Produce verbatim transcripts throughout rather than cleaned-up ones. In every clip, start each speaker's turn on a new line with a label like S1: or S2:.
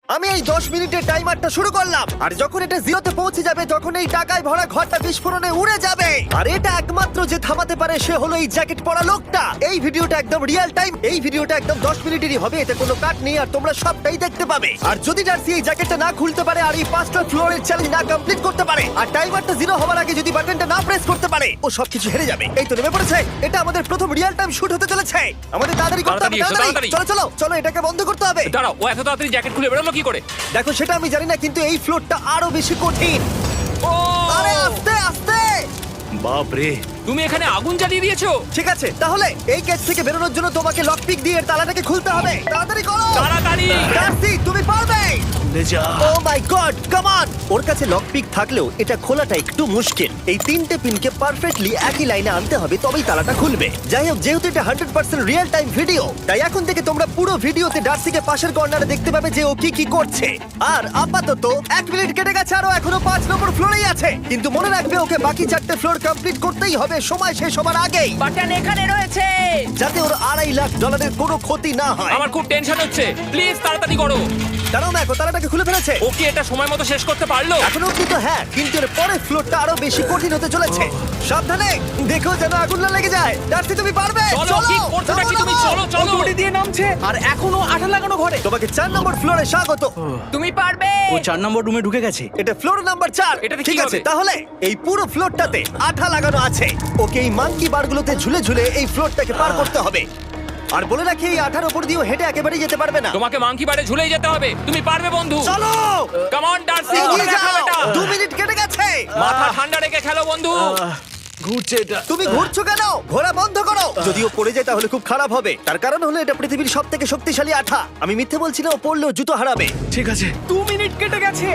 S1: আমি এই দশ মিনিটের টাইমারটা শুরু করলাম, আর যখন এটা জিরোতে পৌঁছে যাবে তখন এই টাকায় ভরা ঘরটা বিস্ফোরণে উড়ে যাবে। আর এটা একমাত্র যে থামাতে পারে সে হলো এই জ্যাকেট পরা লোকটা। এই ভিডিওটা একদম রিয়েল টাইম, এই ভিডিওটা একদম দশ মিনিটেরই হবে, এতে কোনো কাট নেই আর তোমরা সবটাই দেখতে পাবে। আর যদি ডার্সি এই জ্যাকেটটা না খুলতে পারে আর এই পাঁচটা ফ্লোরের চ্যালেঞ্জ না কমপ্লিট করতে পারে আর টাইমারটা জিরো হওয়ার আগে যদি বাটনটা না প্রেস করতে পারে, ও সবকিছু হেরে যাবে। এই তো নেমে পড়েছে, এটা আমাদের প্রথম রিয়েল টাইম শুট হতে চলেছে। আমাদের তাড়াতাড়ি করতে হবে,
S2: তাড়াতাড়ি এসো,
S1: তাড়াতাড়ি।
S2: তাড়াতাড়ি।
S1: চলো চলো চলো, এটাকে বন্ধ করতে হবে।
S2: দাঁড়াও, ও এত তাড়াতাড়ি জ্যাকেট খুলে বেরোলো কি করে?
S1: দেখো সেটা আমি জানি না, কিন্তু এই ফ্লোরটা আরো বেশি কঠিন।
S2: ও
S1: আরে আস্তে আস্তে।
S3: বাপ রে,
S2: তুমি এখানে আগুন জ্বালিয়ে দিয়েছো?
S1: ঠিক আছে, তাহলে এই কেস থেকে বেরোনোর জন্য তোমাকে লক পিক দিয়ে এর তালাটাকে খুলতে হবে। তাড়াতাড়ি করো।
S2: তাড়াতাড়ি।
S1: ডার্সি, তুমি পারবে।
S3: লে যা।
S1: ও মাই গড, কাম অন। ওর কাছে লক পিক থাকলেও এটা খোলাটা একটু মুশকিল। এই তিনটে পিনকে পারফেক্টলি একই লাইনে আনতে হবে, তবেই তালাটা খুলবে। যাই হোক, যেহেতু এটা hundred percent real time video, তাই এখন থেকে তোমরা পুরো ভিডিওতে ডার্সিকে পাশের কর্নারে দেখতে পাবে যে ও কি কি করছে। আর আপাতত এক মিনিট কেটে গেছে, আরো এখনো পাঁচ নম্বর ফ্লোরেই আছে। কিন্তু মনে রাখবে, ওকে বাকি চারটে ফ্লোর কমপ্লিট করতেই হবে সময় শেষ হবার আগেই,
S4: বাটন এখানে রয়েছে।
S1: যাতে ওর আড়াই লাখ ডলারের কোনো ক্ষতি না হয়।
S2: আমার খুব টেনশন হচ্ছে, প্লিজ তাড়াতাড়ি করো।
S1: দাঁড়াও, দেখো তালাটাকে খুলে ফেলেছে।
S2: ও কি এটা সময় মতো শেষ করতে পারলো?
S1: এখনো অব্দি তো হ্যাঁ, কিন্তু এর পরের ফ্লোরটা আরো বেশি কঠিন হতে চলেছে। সাবধানে, দেখো যেন আগুন না লেগে যায়। ডার্সি, তুমি পারবে।
S2: চলো, কি করছো নাকি তুমি? চলো চলো।
S4: দড়ি দিয়ে নামছে আর এখনো আঠা লাগানো ঘরে।
S1: তোমাকে চার নম্বর ফ্লোরে স্বাগত।
S4: তুমি পারবে।
S3: ও চার নম্বর রুমে ঢুকে গেছে।
S1: এটা ফ্লোর নাম্বার চার।
S2: এটাতে কি
S1: ঠিক আছে,
S2: হবে?
S1: তাহলে এই পুরো ফ্লোরটাতে আঠা লাগানো আছে। ওকে এই মাঙ্কি বারগুলোতে ঝুলে ঝুলে এই ফ্লোরটাকে পার করতে হবে। আর বলে রাখি, এই আঠার উপর দিয়েও হেঁটে একেবারেই যেতে পারবে না।
S2: তোমাকে মাংকি বারে ঝুলেই যেতে হবে। তুমি পারবে বন্ধু।
S1: চলো,
S2: কাম অন ডার্সি,
S1: এগিয়ে
S2: করে দেখাও
S1: যাও।
S2: এটা।
S1: দু মিনিট কেটে গেছে।
S2: মাথা ঠান্ডা রেখে খেলো বন্ধু।
S3: আহ, ঘুরছে এটা।
S1: তুমি ঘুরছো কেন? ঘোরা বন্ধ করো। যদিও পড়ে যায় তাহলে খুব খারাপ হবে। তার কারণ হলো এটা পৃথিবীর সব থেকে শক্তিশালী আঠা। আমি মিথ্যে বলছি না, ও পড়লেও জুতো হারাবে।
S3: ঠিক আছে।
S4: দু মিনিট কেটে গেছে।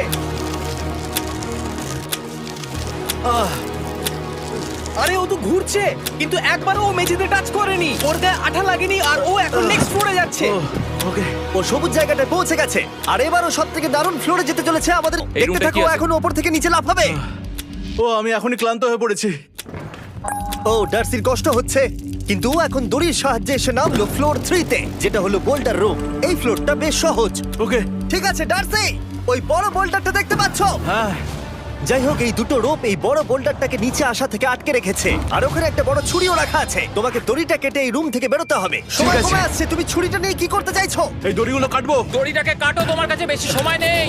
S3: আহ,
S4: আরে ও তো ঘুরছে, কিন্তু একবারও ও মেঝেতে টাচ করেনি। ওর গায়ে আঠা লাগেনি আর ও এখন নেক্সট ফ্লোরে যাচ্ছে।
S3: ও, ওকে।
S1: ও সবুজ জায়গাটায় পৌঁছে গেছে। আর এবারও সব থেকে দারুণ ফ্লোরে যেতে চলেছে আমাদের।
S2: এই
S1: দেখতে
S2: রুমটা
S1: থাকো,
S2: কি আছে?
S1: এখন ওপর থেকে নিচে লাফাবে।
S3: ও, আমি এখনই ক্লান্ত হয়ে পড়েছি।
S1: ও, ডার্সির কষ্ট হচ্ছে, কিন্তু ও এখন দড়ির সাহায্যে এসে নামলো ফ্লোর থ্রিতে, যেটা হলো বোল্ডার রুম। এই ফ্লোরটা বেশ সহজ।
S3: ওকে।
S1: ঠিক আছে ডার্সি, ওই বড় বোল্ডারটা দেখতে পাচ্ছো?
S3: হ্যাঁ।
S1: যাই হোক, এই দুটো রোপ এই বড় বোল্ডারটাকে নিচে আসা থেকে আটকে রেখেছে। আর ওখানে একটা বড় ছুরিও রাখা আছে। তোমাকে দড়িটা কেটে এই রুম থেকে বেরোতে হবে। সময়
S3: আছে।
S1: কমে আসছে, তুমি ছুরিটা নিয়ে কি করতে চাইছো?
S3: এই দড়িগুলো কাটবো।
S2: দড়িটাকে কাটো, তোমার কাছে বেশি সময় নেই।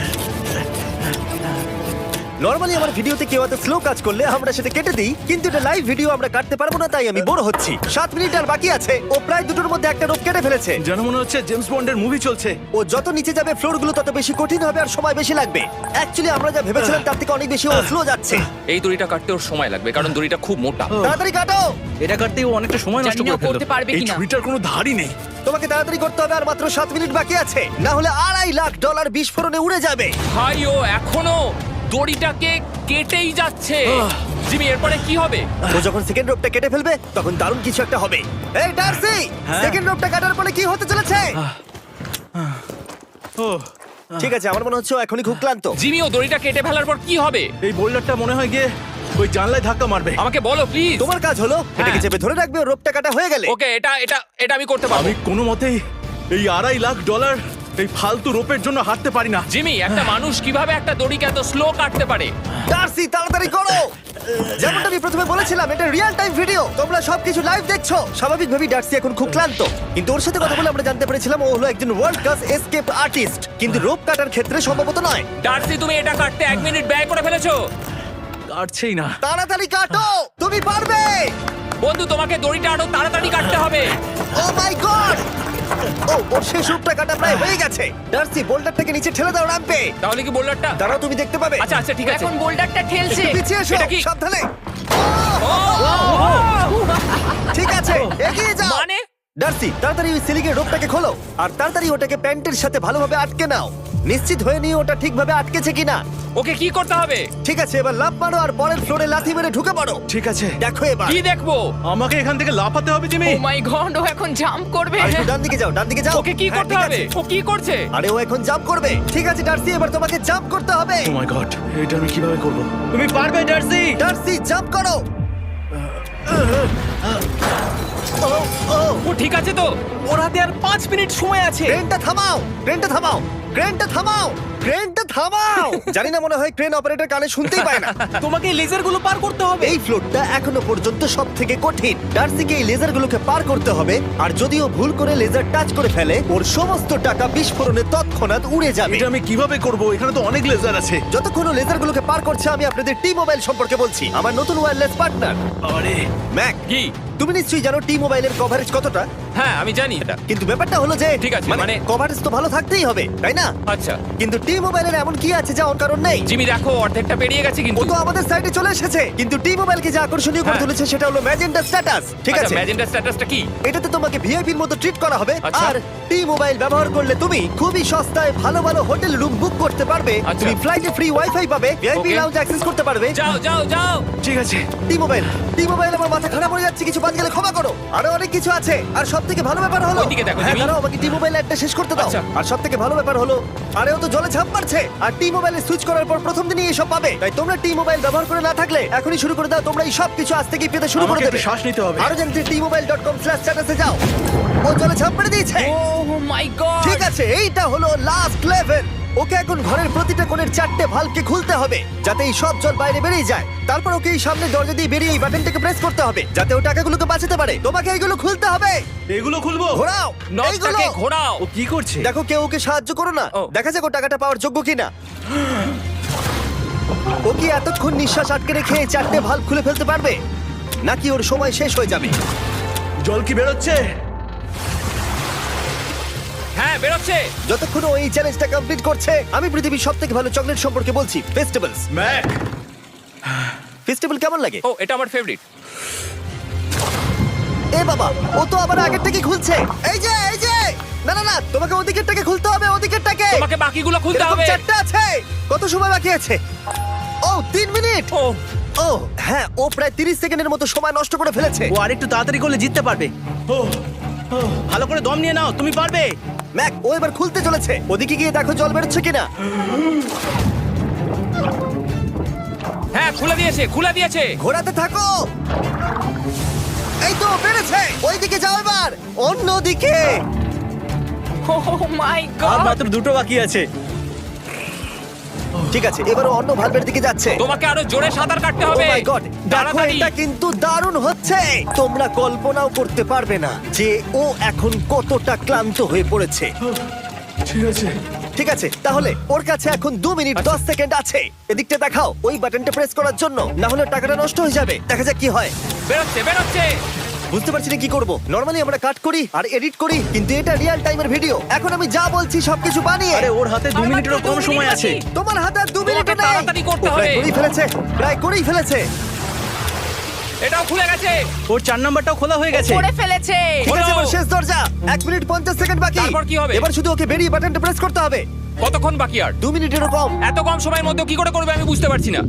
S1: নরমালি আমার ভিডিওতে কেউ এত স্লো কাজ করলে আমরা সেটা কেটে দিই, কিন্তু এটা লাইভ ভিডিও, আমরা কাটতে পারবো না, তাই আমি বোর হচ্ছি। সাত মিনিট আর বাকি আছে। ও প্রায় দুটোর মধ্যে একটা রোপ কেটে ফেলেছে।
S3: যেন মনে হচ্ছে জেমস বন্ডের মুভি চলছে।
S1: ও যত নিচে যাবে ফ্লোরগুলো তত বেশি কঠিন হবে আর সময় বেশি লাগবে। অ্যাকচুয়ালি আমরা যা ভেবেছিলাম তার থেকে অনেক বেশি ও স্লো যাচ্ছে।
S2: এই দড়িটা কাটতে ওর সময় লাগবে, কারণ দড়িটা খুব মোটা।
S1: তাড়াতাড়ি কাটো।
S3: এটা কাটতে ও অনেকটা সময় নষ্ট
S4: জানি না
S3: করে ফেললো।
S4: করতে পারবে
S3: এই
S4: কিনা।
S3: ছুরিটার কোনো ধারই নেই।
S1: তোমাকে তাড়াতাড়ি করতে হবে, আর মাত্র সাত মিনিট বাকি আছে, না হলে আড়াই লাখ ডলার বিস্ফোরণে উড়ে যাবে।
S2: ভাই, ও এখনো দড়িটাকে কেটেই যাচ্ছে। জিমি, এরপরে কি হবে?
S1: ও যখন সেকেন্ড রোপটা কেটে ফেলবে তখন দারুণ কিছু একটা হবে। এই ডার্সি,
S3: হ্যাঁ?
S1: সেকেন্ড রোপটা কাটার পরে কি হতে চলেছে?
S3: ও,
S1: ঠিক আছে, আমার মনে হচ্ছে ও এখনই খুব ক্লান্ত।
S2: জিমি, ও দড়িটা কেটে ফেলার পর কি হবে?
S3: এই বোল্ডারটা মনে হয় গিয়ে ওই জানলায় ধাক্কা মারবে।
S2: আমাকে বলো প্লিজ।
S1: তোমার কাজ হলো এটাকে
S2: হ্যাঁ।
S1: চেপে ধরে রাখবে, ও রোপটা কাটা হয়ে গেলে।
S2: ওকে, এটা এটা এটা আমি করতে পারবো।
S3: আমি কোনো মতেই এই আড়াই লাখ ডলার এই ফালতু রোপের জন্য হাঁটতে পারি না।
S2: জিমি, একটা মানুষ কিভাবে একটা দড়িকে এত স্লো কাটতে পারে?
S1: ডার্সি, তাড়াতাড়ি করো। যেমনটা আমি প্রথমে বলেছিলাম, এটা রিয়েল টাইম ভিডিও, তোমরা সবকিছু লাইভ দেখছো। স্বাভাবিকভাবেই ডার্সি এখন খুব ক্লান্ত, কিন্তু ওর সাথে কথা বলে আমরা জানতে পেরেছিলাম ও হলো একজন ওয়ার্ল্ড ক্লাস এসকেপ আর্টিস্ট, কিন্তু রোপ কাটার ক্ষেত্রে সম্ভবত নয়।
S2: ডার্সি, তুমি এটা কাটতে এক মিনিট ব্যয় করে ফেলেছো।
S3: কাটছেই না।
S1: তাড়াতাড়ি কাটো, তুমি পারবে।
S2: বন্ধু, তোমাকে দড়িটা আরো তাড়াতাড়ি কাটতে হবে।
S1: ও মাই গড! ও, ওর শেষ রূপটা কাটা প্রায় হয়ে গেছে। ডার্সি, বোল্ডারটাকে নিচে ঠেলে দাও রাম্পে।
S2: তাহলে কি বোল্ডারটা?
S1: দাঁড়াও, তুমি দেখতে পাবে।
S2: আচ্ছা আচ্ছা, ঠিক আছে।
S4: এখন বোল্ডারটা ঠেলছে।
S1: একটু পিছিয়ে এসো,
S2: এটা কি?
S1: সাবধানে।
S2: ও,
S1: ঠিক আছে, এগিয়ে যাও।
S2: মানে?
S1: ডার্সি, তাড়াতাড়ি ওই সিলিংয়ের রোপটাকে খোলো আর তাড়াতাড়ি ওটাকে প্যান্টের সাথে ভালোভাবে আটকে নাও। নিশ্চিত হয়ে নিয়ে ওটা ঠিকভাবে আটকেছে কিনা।
S2: ওকে কি করতে হবে?
S1: ঠিক আছে, এবার লাফ মারো আর পরের ফ্লোরে লাথি মেরে ঢুকে পড়ো।
S3: ঠিক আছে।
S1: দেখো এবার।
S2: কি দেখবো?
S3: আমাকে এখান থেকে লাফাতে হবে জিমি।
S4: ও মাই গড, ও এখন জাম্প করবে।
S1: আর একটু ডান দিকে যাও, ডান দিকে যাও।
S2: ওকে কি
S1: হ্যাঁ,
S2: করতে
S1: ঠিক
S2: হবে?
S1: আছে।
S2: ও কি করছে?
S1: আরে ও এখন জাম্প করবে। ঠিক আছে ডার্সি, এবার তোমাকে জাম্প করতে হবে।
S3: ও মাই গড, এটা আমি কিভাবে করব? তুমি পারবে ডার্সি।
S1: ডার্সি, জাম্প করো। ও, ও,
S2: ও ঠিক আছে তো?
S4: ওর হাতে আর পাঁচ মিনিট সময় আছে।
S1: ট্রেনটা থামাও, ট্রেনটা থামাও। ক্রেনটা থামাও ক্রেনটা থামাও জানি না মনে হয় ক্রেন অপারেটর কানে শুনতেই পায় না
S4: তোমাকে লেজার গুলো পার করতে হবে।
S1: এই ফ্লোরটা এখনো পর্যন্ত সব থেকে কঠিন। ডার্সিকে এই লেজারগুলোকে পার করতে হবে, আর যদিও ভুল করে লেজার টাচ করে ফেলে ওর সমস্ত টাকা বিস্ফোরণে তৎক্ষণাৎ উড়ে যাবে।
S3: এটা আমি কিভাবে করব? এখানে তো অনেক লেজার আছে।
S1: যতক্ষণ ও লেজারগুলোকে পার করছে আমি আপনাদের টি মোবাইল সম্পর্কে বলছি, আমার নতুন ওয়্যারলেস পার্টনার।
S3: আরে
S1: ম্যাক,
S2: কি?
S1: তুমি নিশ্চয়ই জানো টি মোবাইলের কভারেজ কতটা,
S2: হ্যাঁ আমি জানি এটা।
S1: কিন্তু ব্যাপারটা হলো যে
S2: ঠিক আছে,
S1: মানে
S2: মানে-
S1: কভারেজ তো ভালো থাকতেই হবে, তাই না?
S2: আচ্ছা
S1: কিন্তু টি মোবাইলের এমন কি আছে যা ওর কারণ নেই?
S2: জিমি দেখো অর্ধেকটা পেরিয়ে গেছে
S1: ও
S2: কিন্তু।
S1: তো আমাদের সাইডে চলে এসেছে, কিন্তু টি মোবাইলকে যে আকর্ষণীয় করে
S2: হ্যাঁ।
S1: তুলেছে সেটা হলো ম্যাজেন্টা স্ট্যাটাস। ঠিক
S2: আচ্ছা,
S1: আছে,
S2: ম্যাজেন্টা স্ট্যাটাসটা কি?
S1: এটাতে তোমাকে ভিআইপির মতো ট্রিট করা হবে।
S2: আচ্ছা।
S1: আর টি মোবাইল ব্যবহার করলে তুমি খুবই সস্তায় ভালো ভালো হোটেল রুম বুক করতে পারবে।
S2: আচ্ছা।
S1: তুমি ফ্লাইটে ফ্রি ওয়াইফাই পাবে, ভিআইপি
S2: Okay.
S1: লাউঞ্জ অ্যাক্সেস করতে পারবে।
S2: যাও যাও যাও।
S3: ঠিক আছে।
S1: টি মোবাইল টি মোবাইল আমার মাথা খারাপ হয়ে যাচ্ছে, কিছু বাদ গেলে ক্ষমা করো। আরো অনেক কিছু আছে, আর সবথেকে ভালো ব্যাপার হলো
S2: ওইদিকে দেখো,
S1: হ্যাঁ
S2: জিমি।
S1: দাঁড়াও, আমাকে টি মোবাইল একটা শেষ করতে দাও।
S2: আচ্ছা।
S1: আর সবথেকে ভালো ব্যাপার হলো আরে ও তো জলে ঝাঁপ মারছে, আর টি মোবাইলে সুইচ করার পর প্রথম দিনই এসব পাবে। তাই তোমরা টি মোবাইল ব্যবহার করে না থাকলে এখনই শুরু করে দাও। তোমরা এই সব কিছু আজ থেকেই পেতে শুরু করে
S3: আমাকে
S1: দেবে।
S3: একটু শ্বাস নিতে হবে।
S1: আরো জানতে T mobile dot com slash স্ট্যাটাসে যাও। ও জলে ঝাঁপ মেরে দিয়েছে।
S2: Oh my God.
S1: ঠিক আছে, এইটা হলো লাস্ট লেভেল। ওকে এখন ঘরের প্রতিটা কোণের চারটে ভালভকে খুলতে হবে যাতে এই সব জল বাইরে বেরিয়ে যায়। তারপর ওকে এই সামনে দরজা দিয়ে বেরিয়ে এই বাটনটাকে প্রেস করতে হবে যাতে ও টাকাগুলোকে বাঁচাতে পারে। তোমাকে এইগুলো খুলতে হবে।
S3: এগুলো খুলবো?
S1: ঘোরাও এইগুলো।
S2: নটটাকে ঘোরাও।
S3: ও কি করছে?
S1: দেখো কেউ ওকে সাহায্য করো না,
S2: ও।
S1: দেখা যাক ও টাকাটা পাওয়ার যোগ্য কিনা। ও কি এতক্ষণ নিঃশ্বাস আটকে রেখে এই চারটে ভালভ খুলে ফেলতে পারবে, নাকি ওর সময় শেষ হয়ে যাবে?
S3: জল কি বেরোচ্ছে?
S2: হ্যাঁ বেরোচ্ছে।
S1: যতক্ষণ ও এই চ্যালেঞ্জটা কমপ্লিট করছে আমি পৃথিবীর সবথেকে ভালো চকলেট সম্পর্কে বলছি, ফেস্টিভ্যালস।
S3: ম্যাক,
S1: ফেস্টিভ্যাল কেমন লাগে?
S2: ও এটা আমার ফেভারিট।
S1: এ বাবা, ও তো আবার আগের থেকে খুলছে। এই যে এই যে না না না, তোমাকে ওদিকেরটাকে খুলতে হবে, ওদিকেরটাকে।
S2: তোমাকে বাকিগুলো খুলতে
S1: এরকম
S2: হবে।
S1: চারটে আছে। কত সময় বাকি আছে? ও তিন মিনিট।
S2: ও
S1: ও হ্যাঁ, ও প্রায় তিরিশ সেকেন্ডের মতো সময় নষ্ট করে ফেলেছে।
S4: ও আরেকটু তাড়াতাড়ি করলে জিততে পারবে।
S3: ও ও,
S4: ভালো করে দম নিয়ে নাও, তুমি পারবে।
S1: ম্যাক, ও এবার খুলতে চলেছে। ওদিকে গিয়ে দেখো জল বেরোচ্ছে কিনা।
S2: হ্যাঁ খুলে দিয়েছে খুলে দিয়েছে।
S1: ঘোরাতে থাকো। এই তো বেড়েছে। ওইদিকে যাও এবার, অন্যদিকে।
S2: ও মাই
S4: আর
S2: গড।
S4: মাত্র দুটো বাকি আছে।
S1: ঠিক আছে, এবার ও অন্য ভালভের দিকে যাচ্ছে।
S2: তোমাকে আরো জোরে সাঁতার কাটতে
S1: Oh
S2: হবে।
S1: my God! দেখো
S2: তাড়াতাড়ি।
S1: এটা কিন্তু দারুণ হচ্ছে। তোমরা কল্পনাও করতে পারবে না যে ও এখন কতটা ক্লান্ত হয়ে পড়েছে।
S3: ঠিক আছে।
S1: ঠিক আছে, তাহলে ওর কাছে এখন দু মিনিট দশ সেকেন্ড আছে। এদিকটা দেখাও ওই বাটনটা প্রেস করার জন্য, না হলে টাকাটা নষ্ট হয়ে যাবে। দেখা যাক কি হয়।
S2: বেরোচ্ছে বেরোচ্ছে।
S1: বুঝতে পারছি না কি করব। নরমালি আমরা কাট করি আর এডিট করি, কিন্তু এটা রিয়েল টাইমের ভিডিও। এখন আমি যা বলছি সবকিছু বানিয়ে।
S4: আরে ওর হাতে দু
S2: আর
S4: মিনিটেরও
S2: মাত্র
S4: কম
S2: দু
S4: সময়
S2: মিনিট
S4: আছে।
S2: বাকি।
S1: তোমার হাতে আর দু মিনিট
S2: তোমাকে
S1: নেই।
S2: তাড়াতাড়ি করতে
S1: ও প্রায়
S2: হবে।
S1: করেই ফেলেছে, প্রায় করেই ফেলেছে।
S2: এটাও খুলে গেছে।
S4: ওর চার নাম্বারটাও খোলা হয়ে গেছে।
S2: করে ফেলেছে।
S1: ঠিক আছে,
S2: হলো।
S1: এবার শেষ দরজা। এক মিনিট পঞ্চাশ সেকেন্ড বাকি।
S2: তারপর কি হবে?
S1: এবার শুধু ওকে বেরিয়ে বাটনটা প্রেস করতে হবে।
S2: কতক্ষণ বাকি আর?
S1: দু মিনিটেরও কম।
S2: এত কম সময়ের মধ্যে কি করে করবে আমি বুঝতে পারছি না।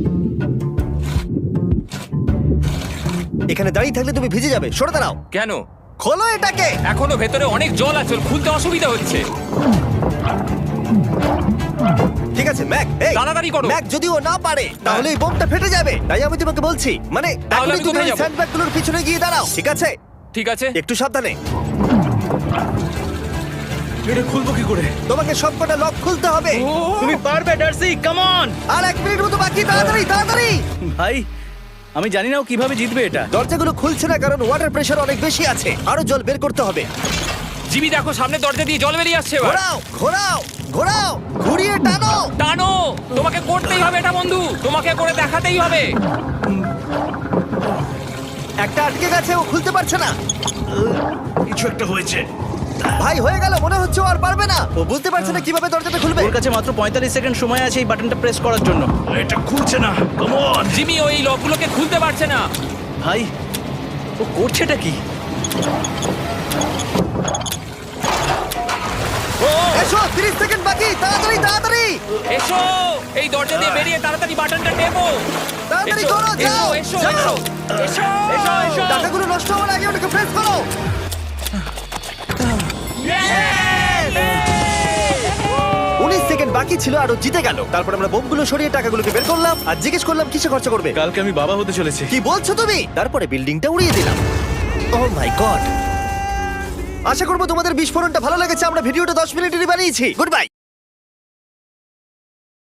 S1: এখানে দাঁড়িয়ে থাকলে তুমি ভিজে যাবে, সরে দাঁড়াও।
S2: কেন?
S1: খোলো এটাকে।
S2: এখনো ভেতরে অনেক জল আছে, ওর খুলতে অসুবিধা হচ্ছে।
S1: ঠিক আছে ম্যাক, এই
S2: তাড়াতাড়ি করো।
S1: ম্যাক, যদি ও না পারে তাহলে এই বোমটা ফেটে যাবে। তাই আমি তোমাকে বলছি, মানে
S2: তাহলে
S1: এখনই
S2: আমি
S1: তুমি
S2: কোথায়
S1: ওই
S2: যাবো?
S1: স্যান্ডব্যাগগুলোর পিছনে গিয়ে দাঁড়াও, ঠিক আছে?
S2: ঠিক আছে।
S1: একটু সাবধানে।
S3: এটা খুলবো কি করে?
S1: তোমাকে সবকটা লক খুলতে হবে।
S2: ও,
S4: তুমি পারবে ডার্সি, কাম অন।
S1: আর এক মিনিট মতো বাকি, তাড়াতাড়ি তাড়াতাড়ি।
S4: ভাই আমি জানি না ও কিভাবে জিতবে এটা।
S1: দরজাগুলো খুলছে না কারণ ওয়াটার প্রেশার অনেক বেশি আছে। আরো জল বের করতে হবে।
S2: জিমি দেখো সামনে দরজা দিয়ে জল বেরিয়ে আসছে এবার।
S1: ঘোরাও ঘোরাও ঘোরাও, ঘুরিয়ে টানো।
S2: টানো। তোমাকে করতেই হবে এটা বন্ধু, তোমাকে করে দেখাতেই হবে।
S1: একটা আটকে গেছে, ও খুলতে পারছে না।
S3: কিছু একটা হয়েছে।
S1: ভাই হয়ে গেল, মনে হচ্ছে ও আর পারবে না। ও বুঝতে পারছে না কিভাবে দরজাটা খুলবে।
S4: ওর কাছে মাত্র পঁয়তাল্লিশ সেকেন্ড সময় আছে এই বাটনটা প্রেস করার জন্য।
S3: এটা খুলছে না। Come on.
S2: জিমি ওই লকগুলোকে খুলতে পারছে না।
S4: ভাই ও করছেটা কি?
S2: ও
S1: এসো, তিরিশ সেকেন্ড বাকি, তাড়াতাড়ি তাড়াতাড়ি।
S2: এসো, এই দরজা দিয়ে বেরিয়ে তাড়াতাড়ি বাটনটা টেপো।
S1: তাড়াতাড়ি
S2: এসো,
S1: করো, যাও,
S2: এসো,
S1: যাও।
S2: এসো, এসো, এসো, এসো।
S1: টাকাগুলো নষ্ট হওয়ার আগে ওটাকে প্রেস করো। উনিশ সেকেন্ড বাকি ছিল আর ও জিতে গেল। তারপর আমরা বোমগুলো সরিয়ে টাকাগুলোকে বের করলাম আর জিজ্ঞেস করলাম কিসে খরচা করবে।
S3: কালকে আমি বাবা হতে চলেছি।
S1: কি বলছো তুমি? তারপরে বিল্ডিংটা উড়িয়ে দিলাম। ও মাই গড। আশা করবো তোমাদের বিস্ফোরণটা ভালো লেগেছে। আমরা ভিডিওটা দশ মিনিটেরই বানিয়েছি। Good by.